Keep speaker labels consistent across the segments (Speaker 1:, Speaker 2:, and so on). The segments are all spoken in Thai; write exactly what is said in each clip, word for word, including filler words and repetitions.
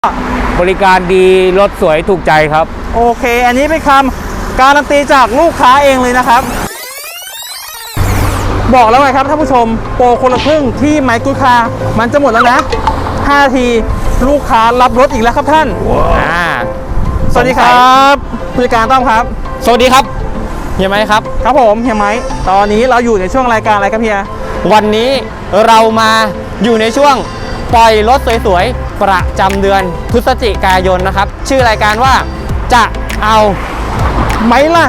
Speaker 1: บริการดีรถสวยถูกใจครับ
Speaker 2: โอเคอันนี้เป็นคำการันตีจากลูกค้าเองเลยนะครับบอกแล้วไงครับท่านผู้ชมโปรคนละครึ่งที่ไมค์กูคามันจะหมดแล้วนะห้านาทีลูกค้ารับรถอีกแล้วครับท่าน
Speaker 1: wow. อ่า
Speaker 2: สวัสดีครับผู้จัดการต้อมครับ
Speaker 1: สวัสดีครับเฮียไมค์ครับ
Speaker 2: ครับผมเฮียไมค์ตอนนี้เราอยู่ในช่วงรายการอะไรครับเฮีย
Speaker 1: วันนี้เรามาอยู่ในช่วงปล่อยรถสวยๆประจำเดือนพฤศจิกายนนะครับชื่อรายการว่าจะเอา
Speaker 2: ไหมล่ะ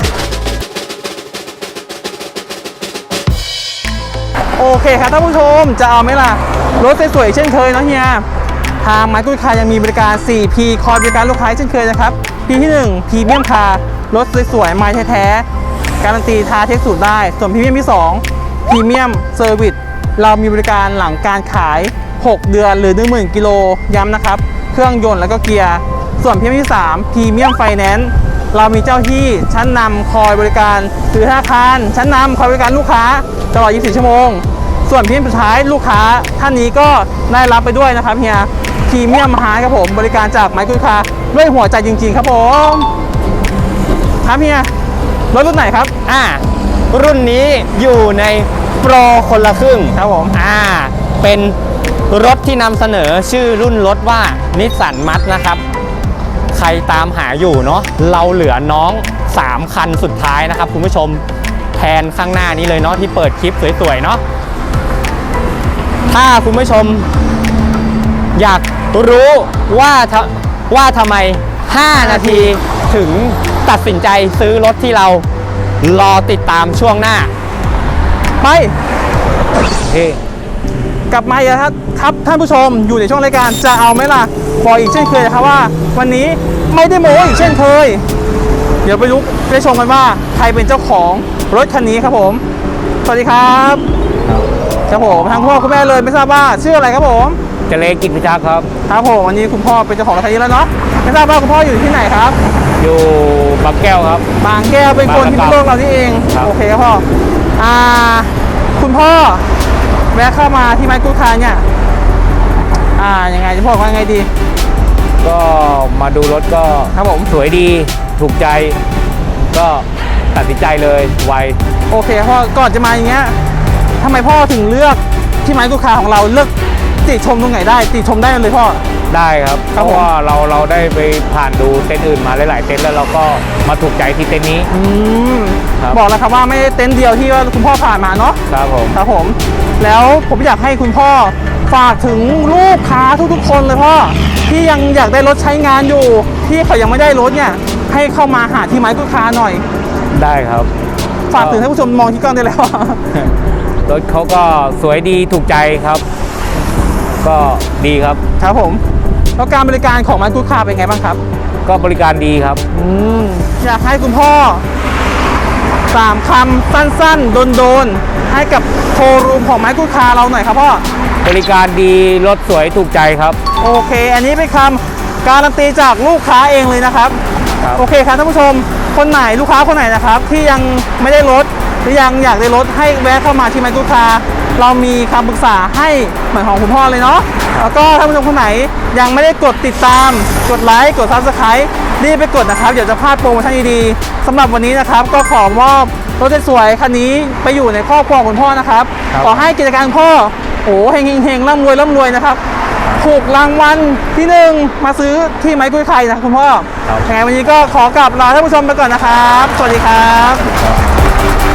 Speaker 2: โอเคครับท่านผู้ชมจะเอาไหมล่ะรถสวยๆเช่นเคยนะเฮียทางไมค์กูคายังมีบริการ สี่ พี คอยบริการลูกค้าเช่นเคยนะครับ พี ที่หนึ่ง พรีเมียมคาร์รถสวยๆไม้แท้ๆการันตีทาเทคสูตรได้ส่วนพรีเมียมที่สองพรีเมียมเซอร์วิสเรามีบริการหลังการขายหกเดือนหรือ หนึ่งหมื่น กิโลย้ำนะครับเครื่องยนต์แล้วก็เกียร์ส่วนพรีเมียมที่สามพรีเมียมไฟแนนซ์เรามีเจ้าที่ชั้นนำคอยบริการหรือธนาคารชั้นนำคอยบริการลูกค้าตลอดยี่สิบสี่ชั่วโมงส่วนพรีเมียมสุดท้ายลูกค้าท่านนี้ก็ได้รับไปด้วยนะครับเฮียพรีเมียมมหาครับผมบริการจากไมค์กูคาด้วยหัวใจจริงๆครับผมครับเฮียรถรุ่นไหนครับ
Speaker 1: อ่ารุ่นนี้อยู่ในโปรคนละครึ่ง
Speaker 2: ครับผม
Speaker 1: อ่าเป็นรถที่นำเสนอชื่อรุ่นรถว่านิสสันมัตนะครับใครตามหาอยู่เนาะเราเหลือน้องสามคันสุดท้ายนะครับคุณผู้ชมแทนข้างหน้านี้เลยเนาะที่เปิดคลิปสวยๆเนาะถ้าคุณผู้ชมอยากรู้ว่าว่าทำไมห้านาทีถึงตัดสินใจซื้อรถที่เรารอติดตามช่วงหน้า
Speaker 2: ไป
Speaker 1: เฮ้
Speaker 2: กลับมาอีกครับครับท่านผู้ชมอยู่ในช่วงรายการจะเอาไหมล่ะบอกอีกเช่นเคยนะครับว่าวันนี้ไม่ได้โม้อีกเช่นเคยเดี๋ยวไปลุกไปชมกันว่าใครเป็นเจ้าของรถคันนี้ครับผมสวัสดีครับครับผมทางพ่อคุณแม่เลยไม่ทราบว่าชื่ออะไรครับผม
Speaker 1: เจริญกิจพิทักษ์ครับ
Speaker 2: ครับผมวันนี้คุณพ่อเป็นเจ้าของรถคันนี้แล้วเนาะไม่ทราบว่าคุณพ่ออยู่ที่ไหนครับ
Speaker 1: อยู่บางแก้วครับ
Speaker 2: บางแก้วเป็นคนที่โลกเรานี่เองโอเคครับพ่ออ่าคุณพ่อแวะเข้ามาที่ไมค์กูคาเนี่ยอ่ายังไงจะบอกว่าไงดี
Speaker 1: ก็มาดูรถก็
Speaker 2: ครับผม
Speaker 1: สวยดีถูกใจก็ตัดสินใจเลยไว
Speaker 2: โอเคพ่อก่อนจะมาอย่างเงี้ยทำไมพ่อถึงเลือกที่ไมค์กูคาของเราเลือกติชมตรงไหนได้ติชมได้เลยพ่อ
Speaker 1: ได้ครับเพราะว่าเราเราได้ไปผ่านดูเต็นท์อื่นมาหลายๆเต็นท์แล้วเราก็มาถูกใจที่เต็นท์นี้
Speaker 2: อืมบอกแล้วครับว่าไม่ได้เต็นท์เดียวที่ว่าคุณพ่อผ่านมาเนาะ
Speaker 1: ครับผม
Speaker 2: ครับผมแล้วผมอยากให้คุณพ่อฝากถึงลูกค้าทุกๆคนเลยพ่อที่ยังอยากได้รถใช้งานอยู่ที่เขายังไม่ได้รถเนี่ยให้เข้ามาหาที่ไมค์กูคาหน่อย
Speaker 1: ได้ครับ
Speaker 2: ฝากถึงท่านผู้ชมมองที่กล้องได้แล้ว
Speaker 1: รถเขาก็สวยดีถูกใจครับก็ดีครับ
Speaker 2: ครับผมแล้วการบริการของไมค์กูคาเป็นไงบ้างครับ
Speaker 1: ก็บริการดีครับ
Speaker 2: อืมอยากให้คุณพ่อสามคำสั้นๆโดนๆให้กับโชว์รูมของไมค์กูคาเราหน่อยครับพ่อบ
Speaker 1: ริการดีรถสวยถูกใจครับ
Speaker 2: โอเคอันนี้เป็นคำการันตีจากลูกค้าเองเลยนะครับโอเคครับท่านผู้ชมคนไหนลูกค้าคนไหนนะครับที่ยังไม่ได้รถหรือยังอยากได้รถให้แวะเข้ามาที่ไมค์กูคาเรามีคำปรึกษาให้เหมือนของคุณพ่อเลยเนาะแล้วก็ท่านผู้ชมคนไหนยังไม่ได้กดติดตามกดไลค์กดซับสไครต์รีบไปกดนะครับเดี๋ยวจะพลาดโปรโมชั่นดีๆสำหรับวันนี้นะครับก็ขอมอบรถสวยๆคันนี้ไปอยู่ในครอบครัวของคุณพ่อนะครับขอให้กิจการพ่อโอ้เฮงเฮงร่ำรวยร่ำรวยนะครับถูกรางวัลที่หนึ่งมาซื้อที่ไมค์กูคานะคุณพ่อยังไงวันนี้ก็ขอกลับลาท่านผู้ชมไปก่อนนะครับสวัสดีครับ